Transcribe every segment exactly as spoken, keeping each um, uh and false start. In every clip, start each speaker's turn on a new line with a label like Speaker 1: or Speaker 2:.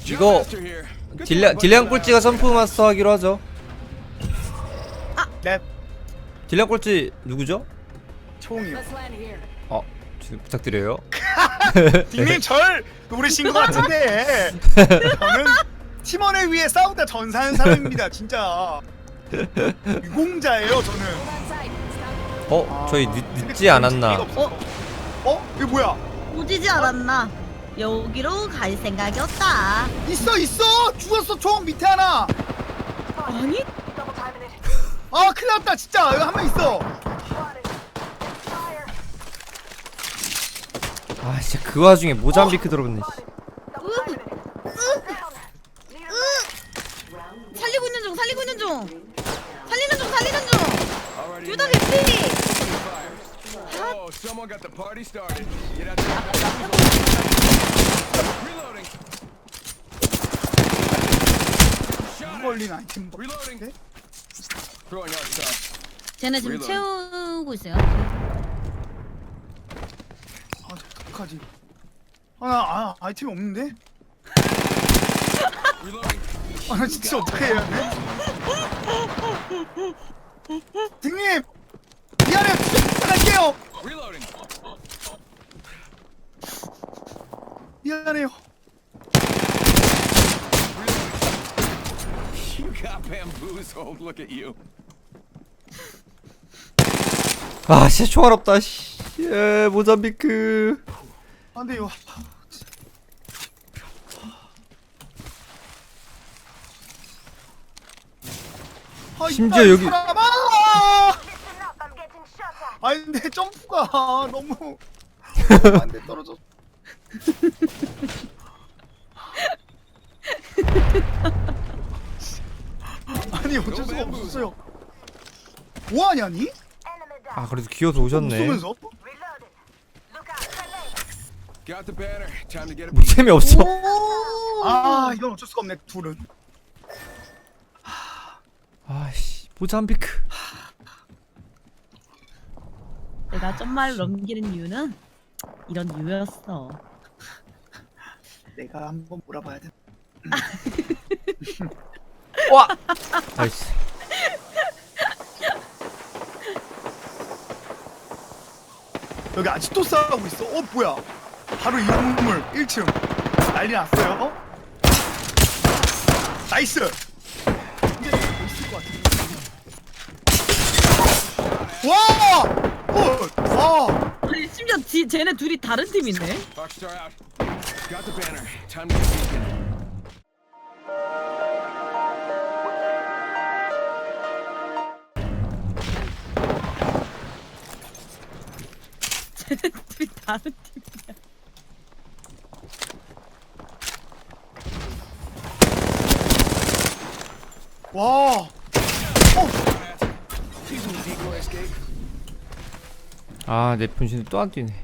Speaker 1: 이거 딜량 딜량 꼴찌가 선프 마스터 하기로 하죠.
Speaker 2: 네.
Speaker 1: 딜량 꼴찌 누구죠?
Speaker 2: 총이요.
Speaker 1: 어, 부탁드려요.
Speaker 2: 닉네임 절 노리신 것 같은데 저는 팀원을 위해 싸우다 전사한 사람입니다. 진짜 유공자예요 저는.
Speaker 1: 어, 저희 늦, 늦지 않았나?
Speaker 2: 어? 어? 이거 뭐야?
Speaker 3: 오지지 않았나? 여기로 갈 생각이었다.
Speaker 2: 있어 있어! 죽었어 총 밑에 하나!
Speaker 3: 아니?
Speaker 2: 아 큰일 났다 진짜 여기 한 명 있어.
Speaker 1: 아, 진짜 그 와중에 모잠비크 들어오네.
Speaker 3: 살리고 있는 중, 살리고 있는 중. 살리는 중, 살리는 중. 둘 다 개피.
Speaker 4: Oh, someone got the party started. Get out there. Reloading.
Speaker 2: 걸린 아이템 뭐.
Speaker 4: Reloading.
Speaker 2: 네?
Speaker 4: Throwing out stuff.
Speaker 3: 쟤네 지금
Speaker 4: Reload.
Speaker 3: 채우고 있어요.
Speaker 2: 아 어떡하지? 아나 아, 아이템이 없는데?
Speaker 4: Reloading.
Speaker 2: 아나 진짜 어떻게 해야 돼? 등님! 미안해요 진짜 부탁할게요!
Speaker 4: Reloading.
Speaker 2: 미안해요.
Speaker 4: You got bamboozled. Look at you.
Speaker 1: 아, 진짜 총알 없다. 씨. 예, 모잠비크.
Speaker 2: 안돼요. 아,
Speaker 1: 심지어
Speaker 2: 이빨
Speaker 1: 여기-
Speaker 2: 사람아! 아니 근데 점프가 너무 안돼 떨어져. 아니 어쩔 수가 없었어요. 뭐하냐 니?
Speaker 1: 아, 그래도 기어서 오셨네.
Speaker 2: 쏘면서?
Speaker 4: Got the banner. Time to get a
Speaker 1: 뭐 재미없어.
Speaker 2: 아 이건 어쩔 수가 없네 둘은.
Speaker 1: 아씨, 모잠비크.
Speaker 3: 내가 점말 넘기는 이유는 이런 이유였어.
Speaker 2: 내가 한번 몰아봐야 돼.
Speaker 1: 와. 나이스.
Speaker 2: 여기 아직도 싸우고 있어. 어 뭐야? 바로 이 건물 일 층 난리 났어요. 나이스. 이게 더 있을 것 같은데. 와! 어! 와!
Speaker 3: 아니 심지어 지, 쟤네 둘이 다른 팀이네.
Speaker 4: Rockstar out. Got the banner. Time to get beacon.
Speaker 3: 쟤네 둘이 다른 팀이야.
Speaker 2: 와!
Speaker 4: Using the decoy escape.
Speaker 1: 아, 내 분신이 또 안 뛰네.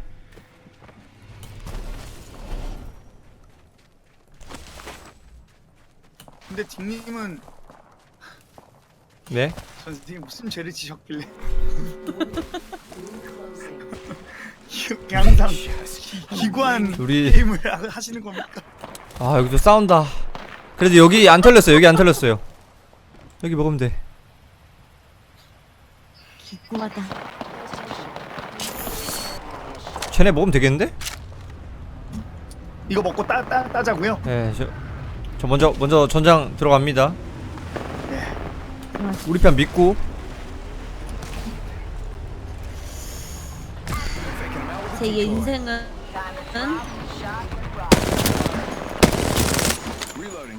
Speaker 2: 근데 딩님은
Speaker 1: 네?
Speaker 2: 선생님 무슨 죄를 지셨길래 기- 항상 기- 기관
Speaker 1: 우리-
Speaker 2: 게임을 하- 하시는 겁니까?
Speaker 1: 아, 여기도 싸운다. 그래도 여기 안 털렸어요. 여기 안 털렸어요. 여기 먹으면 돼.
Speaker 3: 기구하다.
Speaker 1: 쟤네 먹으면 되겠는데?
Speaker 2: 이거 먹고 따, 따, 따자고요?
Speaker 1: 네, 저, 저 먼저 먼저 전장 들어갑니다.
Speaker 2: 네.
Speaker 1: 우리 편 믿고.
Speaker 3: 제 인생은
Speaker 4: Reloading.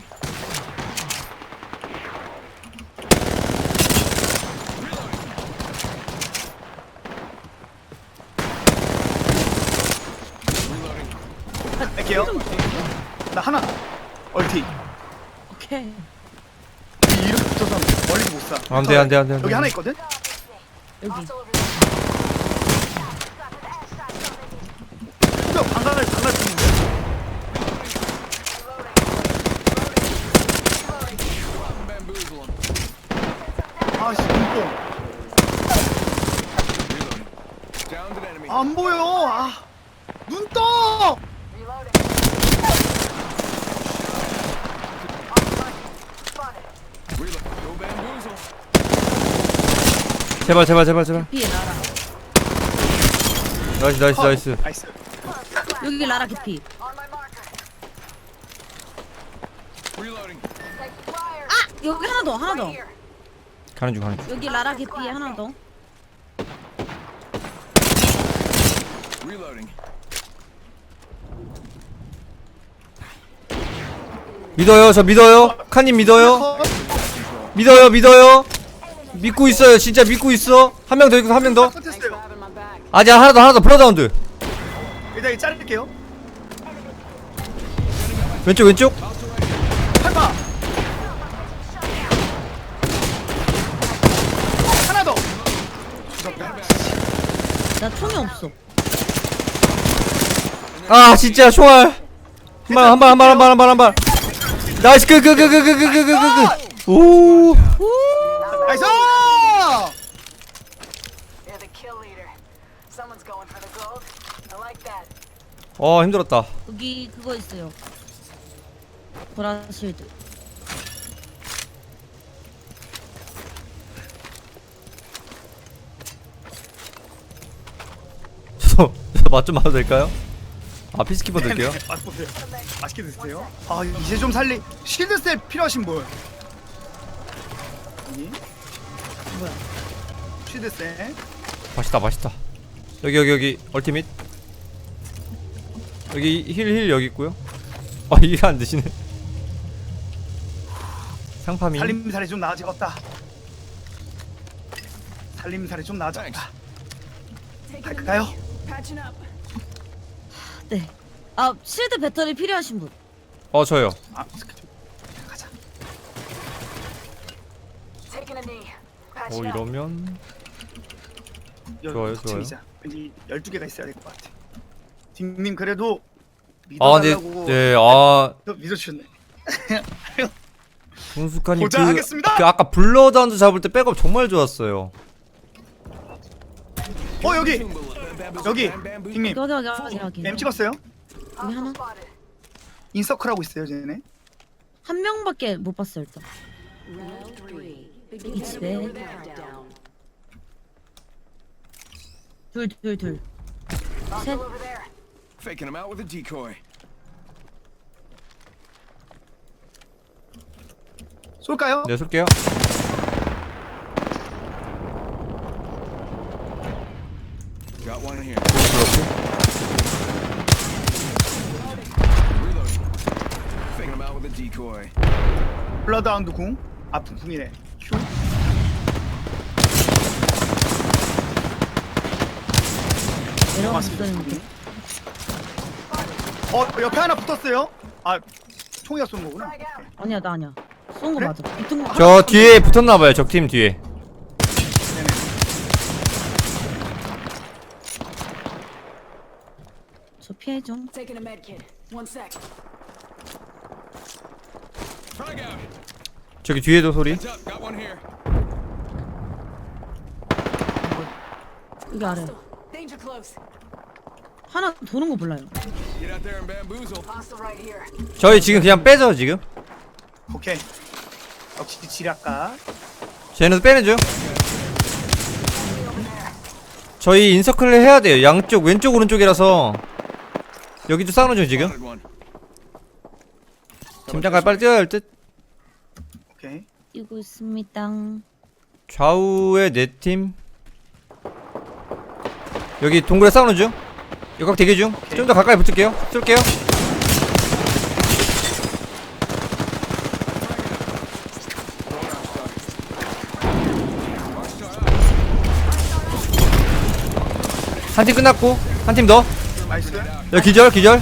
Speaker 2: 할게요. 나 하나. 얼티.
Speaker 3: 오케이.
Speaker 2: 이렇게 붙어서 멀리 못 사.
Speaker 1: 안 돼, 안 돼, 안 돼, 안 돼.
Speaker 2: 여기 하나 있거든?
Speaker 3: 여기.
Speaker 2: 또 방갈을 방갈 붙는데?
Speaker 4: Bamboozle him.
Speaker 2: 아씨 눈뽕.
Speaker 4: Reloading. Downed an enemy.
Speaker 2: 안 보여. 아. 눈 떠.
Speaker 1: 제발 제발 제발 제발.
Speaker 3: 개피 라라.
Speaker 1: 나이스 나이스 나이스.
Speaker 2: 나이스.
Speaker 3: 여기 라라 개피.
Speaker 4: Reloading.
Speaker 3: 아 여기 하나 더 하나 더.
Speaker 1: 가는 중 가는 중.
Speaker 3: 여기 라라 개피에 하나 더.
Speaker 4: Reloading.
Speaker 1: 믿어요 저 믿어요. 칸님 믿어요. 믿어요 믿어요. 믿고 있어요 진짜 믿고 있어. 한 명 더 있고 한 명 더.
Speaker 2: 컨테스트요.
Speaker 1: 아직 하나 더 하나 더 플러다운드.
Speaker 2: 일단 이 자를게요.
Speaker 1: 왼쪽 왼쪽.
Speaker 2: 팔파. 하나 더.
Speaker 3: 나 총이 없어.
Speaker 1: 아 진짜 총알. 한발한발한발한발한발한발. 나이스 그 그 그 그 그 그 그 그 그. 오.
Speaker 2: 나이스.
Speaker 5: You're the kill leader. Someone's going for the gold. I like that.
Speaker 1: 어 힘들었다.
Speaker 3: 여기 그거 있어요. 보라 실드.
Speaker 1: 저맛 좀 봐도 될까요? 아 피스키퍼 드릴게요.
Speaker 2: 맛보세요. 맛있게 드세요. 아 이제 좀 살리. 실드셋 필요하신 분. 여기.
Speaker 3: 뭐야?
Speaker 2: 실드셋.
Speaker 1: 맛있다 맛있다. 여기 여기 여기 얼티밋. 여기 힐 힐 여기 있고요. 아 이게 안 드시네. 상파민.
Speaker 2: 살림살이 좀 나아지겠다. 살림살이 좀 나아졌다. 갈까요?
Speaker 5: Patching up.
Speaker 3: 네. 아 실드 배터리 필요하신 분.
Speaker 1: 어 저요.
Speaker 2: 아 가자.
Speaker 5: Taking a knee.
Speaker 1: 어
Speaker 5: Patching up.
Speaker 1: 이러면
Speaker 2: 여기
Speaker 1: 좋아요,
Speaker 2: 거치이자. 왠지 열두 개가 있어야 될 것 같아. 딩님 그래도
Speaker 1: 아 근데
Speaker 2: 믿어달라고
Speaker 1: 네아
Speaker 2: 믿어주셨네.
Speaker 1: 손숙하님
Speaker 2: 보자
Speaker 1: 그,
Speaker 2: 하겠습니다.
Speaker 1: 그 아까 블러다운드 잡을 때 백업 정말 좋았어요.
Speaker 2: 어 여기 여기
Speaker 4: Bamboo.
Speaker 2: 딩님
Speaker 3: 여기 여기 여기 여기.
Speaker 2: M 찍었어요?
Speaker 3: 여기 하나.
Speaker 5: Spotted.
Speaker 2: 인서클 하고 있어요 쟤네.
Speaker 3: 한 명밖에 못 봤어 일단.
Speaker 5: Round three.
Speaker 3: 이 집에
Speaker 5: Countdown.
Speaker 3: 둘 둘 둘.
Speaker 5: Hostile over there.
Speaker 4: Faking him out with a decoy.
Speaker 2: 쏠까요?
Speaker 1: 네 쏠게요.
Speaker 4: Got one here.
Speaker 1: 그렇고.
Speaker 4: Reloading. Faking him out with a decoy.
Speaker 2: 블러드하운드 궁. 아픈 궁이네. 큐.
Speaker 3: 내려갔었는데.
Speaker 2: 어 옆에 하나 붙었어요. 아 총이가 쏜 거구나.
Speaker 3: 아니야 나 아니야. 쏜 거
Speaker 2: 그래?
Speaker 3: 맞아. 붙은 거.
Speaker 1: 저 뒤에 붙었나봐요 적팀 뒤에.
Speaker 2: 네네.
Speaker 3: 저 피해 좀.
Speaker 5: Taking a med kit. One sec.
Speaker 4: Frag out.
Speaker 1: 저기 뒤에도 소리.
Speaker 4: Heads up. Got one here.
Speaker 3: 여기 아래.
Speaker 5: Danger close.
Speaker 3: 하나 도는 거 몰라요.
Speaker 4: Get out there and bamboozle.
Speaker 5: Hostile right here.
Speaker 1: 저희 지금 그냥 빼죠 지금.
Speaker 2: 오케이. 역시 지략가.
Speaker 1: 쟤네도 빼는 중. 저희 인서클을 해야 돼요. 양쪽 왼쪽 오른쪽이라서 여기도 싸우는 중 지금.
Speaker 4: Spotted one.
Speaker 1: 팀장갈 빨리 뛰어야 할 듯.
Speaker 2: 오케이.
Speaker 3: 뛰고 있습니다.
Speaker 1: 좌우에 네 팀. 여기 동굴에 싸우는 중. 역각 대기 중. 좀 더 가까이 붙을게요. 쏠게요. 한 팀 끝났고 한 팀 더.
Speaker 2: 나이스.
Speaker 1: 여기 기절 기절.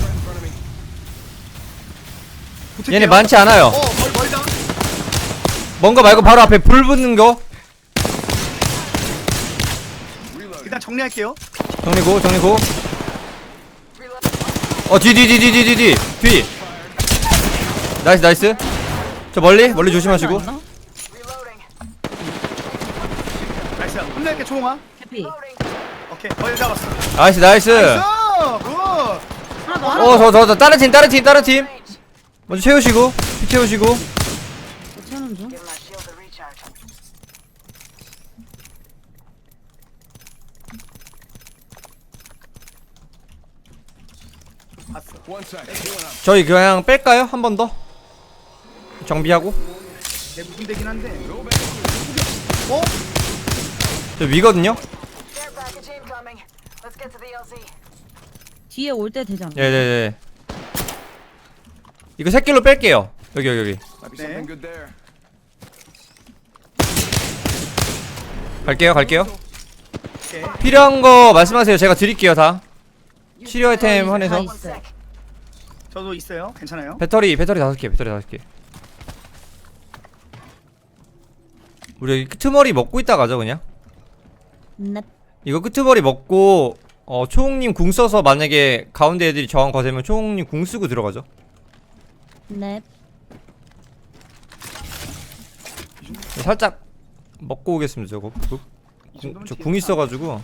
Speaker 2: 붙을게요.
Speaker 1: 얘네 많지 않아요.
Speaker 2: 어 멀, 멀다.
Speaker 1: 뭔가 말고 바로 앞에 불 붙는 거.
Speaker 4: Reloading.
Speaker 2: 일단 정리할게요.
Speaker 1: 정리고 정리고. 어 뒤 뒤 뒤 뒤 뒤 뒤 뒤. 나이스 나이스. 저 멀리 멀리 조심하시고.
Speaker 3: 아니나?
Speaker 5: Reloading.
Speaker 2: 나이스. 혼낼게 총아.
Speaker 3: 해피.
Speaker 5: Loading.
Speaker 2: 오케이. 거의 잡았어.
Speaker 1: 나이스 나이스.
Speaker 2: 나이스. 굿.
Speaker 3: 하나 더 하나 더.
Speaker 1: 어저 저 저 다른 팀 다른 팀 다른 팀. 먼저 채우시고 피 채우시고.
Speaker 3: 채우는 중.
Speaker 5: Give my shield a recharge.
Speaker 4: One sec. Healing up.
Speaker 1: 저희 그냥 뺄까요? 한 번 더? 정비하고.
Speaker 2: 내 무슨 되긴 한데.
Speaker 4: Go back.
Speaker 2: 어?
Speaker 1: 저 위거든요?
Speaker 5: Care package incoming. Let's get to the L Z.
Speaker 3: 뒤에 올 때 되지 않나?
Speaker 1: 네네네. 이거 새끼로 뺄게요. 여기 여기 여기.
Speaker 4: Might be something good there.
Speaker 1: 갈게요 갈게요.
Speaker 2: 오케이.
Speaker 1: 필요한 거 말씀하세요. 제가 드릴게요 다. 치료 아이템
Speaker 3: 다
Speaker 1: 한해서.
Speaker 5: One
Speaker 3: 있어요.
Speaker 5: sec.
Speaker 2: 저도 있어요. 괜찮아요.
Speaker 1: 배터리 배터리 다섯 개 배터리 다섯 개. 우리 여기 끄트머리 먹고 있다 가죠 그냥.
Speaker 3: 네.
Speaker 1: 이거 끄트머리 먹고 어 초홍님 궁 써서 만약에 가운데 애들이 저항 거세면 초홍님 궁 쓰고 들어가죠.
Speaker 3: 네.
Speaker 1: 살짝 먹고 오겠습니다 저거. 그, 궁, 저 궁 있어가지고.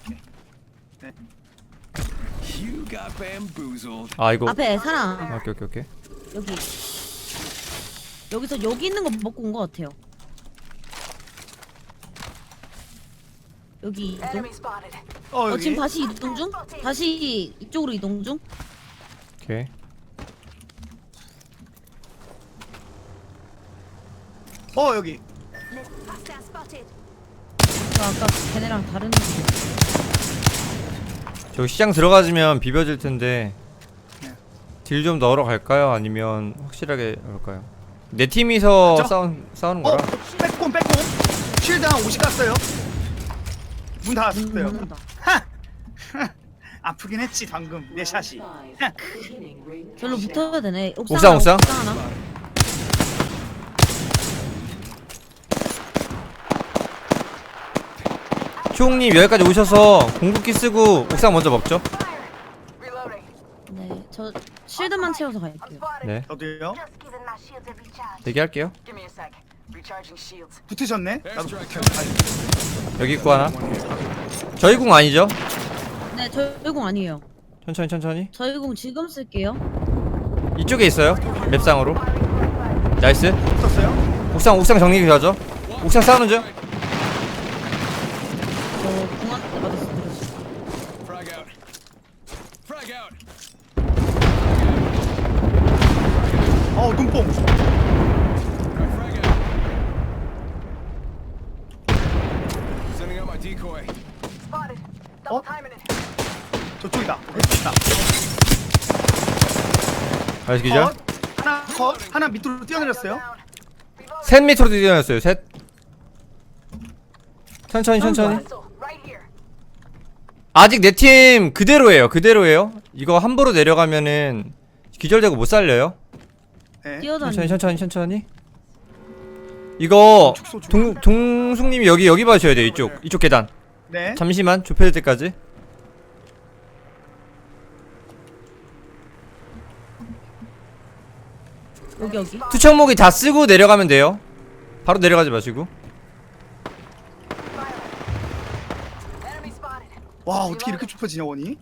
Speaker 4: You got bamboozled.
Speaker 1: 아 이거.
Speaker 3: 앞에 사람.
Speaker 1: 아, 오케이 오케이 오케이.
Speaker 3: 여기. 여기서 여기 있는 거 먹고 온 거 같아요. 여기 이동.
Speaker 5: Enemy spotted.
Speaker 2: 어
Speaker 3: 어
Speaker 2: 여기.
Speaker 3: 지금 다시 이동 중? 다시 이쪽으로 이동 중?
Speaker 1: 오케이.
Speaker 2: 어 여기.
Speaker 3: 저 아까 걔네랑 다른 데.
Speaker 1: 저기 시장 들어가지면 비벼질 텐데.
Speaker 2: 네.
Speaker 1: 딜 좀 넣으러 갈까요? 아니면 확실하게 할까요? 내 팀이서
Speaker 2: 맞죠?
Speaker 1: 싸운 싸우는
Speaker 2: 어
Speaker 1: 거라.
Speaker 2: 빼꼼 빼꼼. 쉴드 한 오십 갔어요. 문 닫았어요.
Speaker 3: 닫는다.
Speaker 2: 아프긴 했지 방금 내 샷이.
Speaker 3: 별로 붙어야 되네.
Speaker 1: 옥상, 옥상.
Speaker 3: 하나.
Speaker 1: 초홍님 여기까지 오셔서 공급기 쓰고 옥상 먼저 먹죠.
Speaker 5: Reloading.
Speaker 3: 네, 저 실드만 채워서
Speaker 5: I'm
Speaker 3: 갈게요.
Speaker 5: spotted.
Speaker 1: 네.
Speaker 2: 저도요.
Speaker 5: Just giving my shields a recharge.
Speaker 1: 대기할게요.
Speaker 5: Give me a sec. Recharging shields.
Speaker 2: 붙으셨네. 나도
Speaker 4: Airstrike
Speaker 2: 붙어.
Speaker 4: coming.
Speaker 1: 여기 있고 하나. 저희 궁 아니죠?
Speaker 3: 네, 저희 공 아니에요.
Speaker 1: 천천히 천천히.
Speaker 3: 저희 공 지금 쓸게요.
Speaker 1: 이쪽에 있어요. 맵상으로. 나이스.
Speaker 2: 붙었어요.
Speaker 1: 옥상 옥상 정리 하죠. 옥상 싸우는 중.
Speaker 3: 저 공한테 맞았어. 들었어.
Speaker 4: Frag out. Frag out.
Speaker 2: 어 눈뽕.
Speaker 4: Alright, frag out. Sending out my decoy.
Speaker 5: Spotted.
Speaker 2: Oh.
Speaker 5: Double timing it.
Speaker 2: 저쪽이다. 됐다.
Speaker 1: 나이스 기절.
Speaker 2: 컷. 하나 컷. 하나 밑으로 뛰어내렸어요.
Speaker 5: Down. Reloading.
Speaker 1: 셋 밑으로 뛰어났어요. 셋. 천천히 천천히.
Speaker 5: Hostile. Right here.
Speaker 1: 아직 내 팀 그대로예요. 그대로예요. 이거 함부로 내려가면은 기절되고 못 살려요.
Speaker 2: 네.
Speaker 3: 뛰어다니.
Speaker 1: 천천히 천천히 천천히. 이거 동 동숙님이 여기 여기 봐주셔야 돼요. 이쪽 이쪽 계단.
Speaker 2: 네.
Speaker 1: 잠시만 좁혀질 때까지.
Speaker 3: 여기 여기.
Speaker 1: 투척목이 다 쓰고 내려가면 돼요. 바로 내려가지 마시고.
Speaker 5: Enemy spotted.
Speaker 2: 와 어떻게 이렇게 좁혀지냐 원이?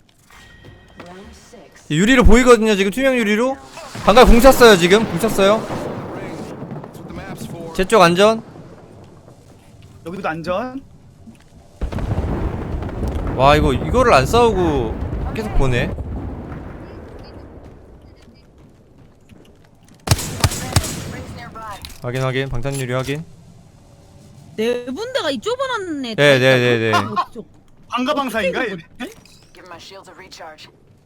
Speaker 1: 유리로 보이거든요. 지금 투명 유리로. 방금 궁 찼어요. 지금 궁 찼어요.
Speaker 4: Ring. That's what the map's for.
Speaker 1: 제 쪽 안전.
Speaker 2: 여기도 안전.
Speaker 1: 와 이거 이거를 안 싸우고 계속 보네.
Speaker 5: Rings nearby.
Speaker 1: 확인 확인. 방탄 유리 확인.
Speaker 3: 네 군데가 이 좁아놨네.
Speaker 1: 네, 네, 네, 네.
Speaker 2: 방가방사인가 얘네?
Speaker 5: Give my shields a recharge.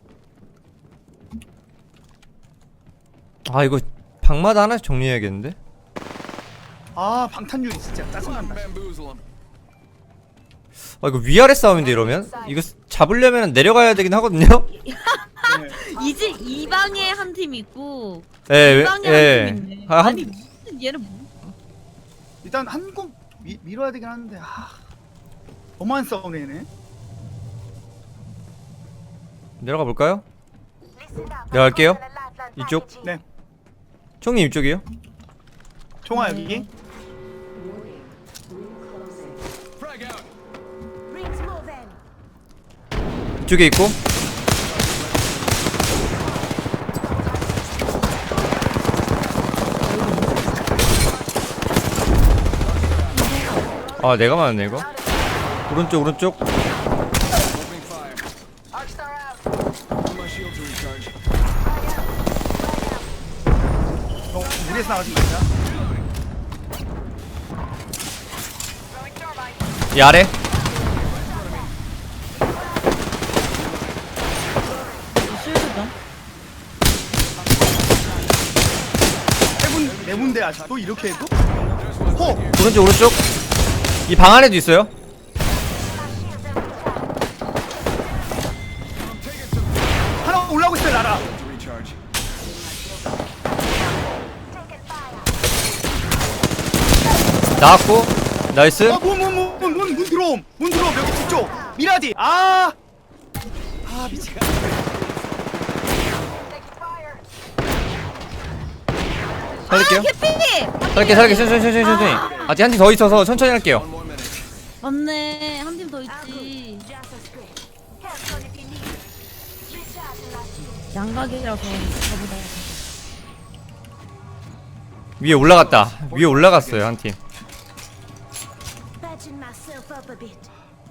Speaker 1: 아 이거 방마다 하나씩 정리해야겠는데.
Speaker 2: 아 방탄유리 진짜 짜증난다.
Speaker 4: Bamboozle him.
Speaker 1: 아 이거 위아래 싸움인데 이러면 이거 잡으려면 내려가야 되긴 하거든요.
Speaker 2: 네.
Speaker 3: 이제 이 방에 한 팀 있고
Speaker 1: 예,
Speaker 3: 이 방에
Speaker 1: 예.
Speaker 3: 한 팀 있네.
Speaker 1: 아, 한-
Speaker 3: 아니 무슨 얘는 뭐?
Speaker 2: 일단 한국 밀어야 되긴 하는데 아 너무한 싸움네 얘네.
Speaker 1: 내려가 볼까요?
Speaker 5: Listen up.
Speaker 1: 내려갈게요. 이쪽.
Speaker 2: 네.
Speaker 1: 총님 이쪽이요.
Speaker 2: 총아
Speaker 3: 네.
Speaker 2: 여기.
Speaker 4: Frag out.
Speaker 5: Rings moving.
Speaker 1: 이쪽에 있고. 아 내가 맞았네 이거. 오른쪽 오른쪽.
Speaker 4: Opening fire.
Speaker 5: Arcstar out.
Speaker 4: Give my shields a recharge.
Speaker 2: 우리에서 나가지 말자.
Speaker 1: 이 아래
Speaker 3: 실수죠.
Speaker 2: 세분 네 군데 아직도 이렇게 해도? 호!
Speaker 1: 오른쪽 오른쪽 이 방 안에도 있어요.
Speaker 2: 하나 올라오고 있어요 나라.
Speaker 4: To recharge.
Speaker 1: 나왔고 나이스.
Speaker 2: 어문문문문문 문 들어옴. 문 들어옴 여기 뒤쪽. 미라디. 아. 아 미치겠.
Speaker 1: 살릴게요.
Speaker 3: 아 개피.
Speaker 1: 살릴게 살릴게 천천히 천천히 천천히. 아직 한 팀 더 있어서 천천히 할게요.
Speaker 4: One more minute.
Speaker 3: 맞네. 한 팀 더 있지. 양각이라서 저보다.
Speaker 1: 위에 올라갔다. 위에 올라갔어요 한 팀.
Speaker 6: Patching myself up a bit.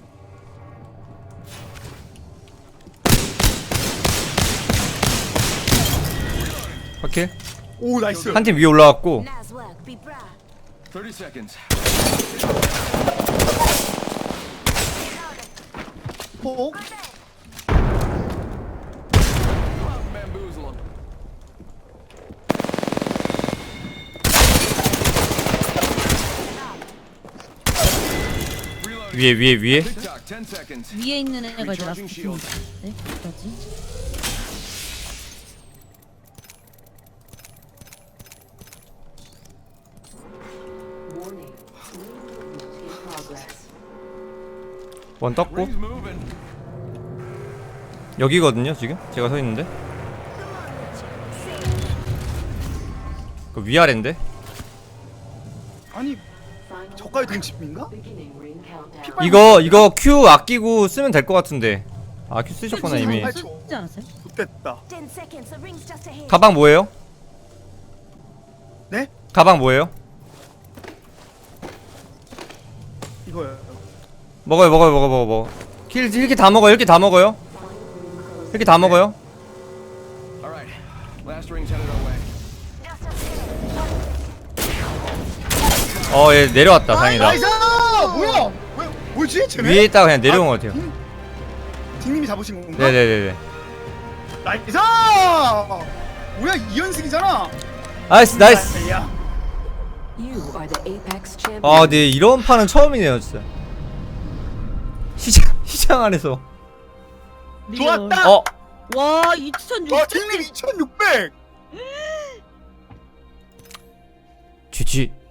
Speaker 1: 오케이.
Speaker 2: 오 나이스.
Speaker 1: 한 팀 위에 올라갔고
Speaker 6: Nice work, be proud.
Speaker 4: thirty seconds.
Speaker 2: 호.
Speaker 4: Bamboozle 'em. Reloading.
Speaker 1: 위에 위에 위에
Speaker 4: TikTok, ten seconds.
Speaker 3: 위에 있는 애가 이제 라스트
Speaker 4: Recharging
Speaker 3: 팀이다.
Speaker 4: shield.
Speaker 3: 네? 어디지?
Speaker 1: 원 떴고
Speaker 4: Ring's moving.
Speaker 1: 여기거든요 지금 제가 서 있는데 그 위아래인데
Speaker 2: 아니 저까지 동심인가?
Speaker 1: 이거 이거 Q 아끼고 쓰면 될 것 같은데 아 Q 쓰셨구나 이미.
Speaker 2: 지금
Speaker 3: 쓰지 않았어요?
Speaker 2: 좋됐다.
Speaker 6: Ten seconds, the ring's just ahead.
Speaker 1: 가방 뭐예요?
Speaker 2: 네?
Speaker 1: 가방 뭐예요?
Speaker 2: 이거요.
Speaker 1: 먹어요 먹어요 먹어 먹어 먹어. 킬 이렇게 다 먹어요 이렇게 다 먹어요. 이렇게 다 먹어요.
Speaker 4: All right. Last ring's headed our way.
Speaker 1: 어 얘 내려왔다 다행이다.
Speaker 2: 나이스! 뭐야? 왜 뭐지? 쟤네?
Speaker 1: 위에 있다가 그냥 내려온 것 같아요.
Speaker 2: 딩- 딩님이 잡으신 건가?
Speaker 1: 네네네네.
Speaker 2: 나이스! 뭐야 이연승이잖아.
Speaker 1: 나이스 나이스.
Speaker 2: 야.
Speaker 1: 아, 네 이런 판은 처음이네요 진짜. 시장 시장 안에서.
Speaker 2: 좋았다.
Speaker 1: 어
Speaker 3: 와 이천육백.
Speaker 2: 와 딩님 이천육백.
Speaker 1: 지지.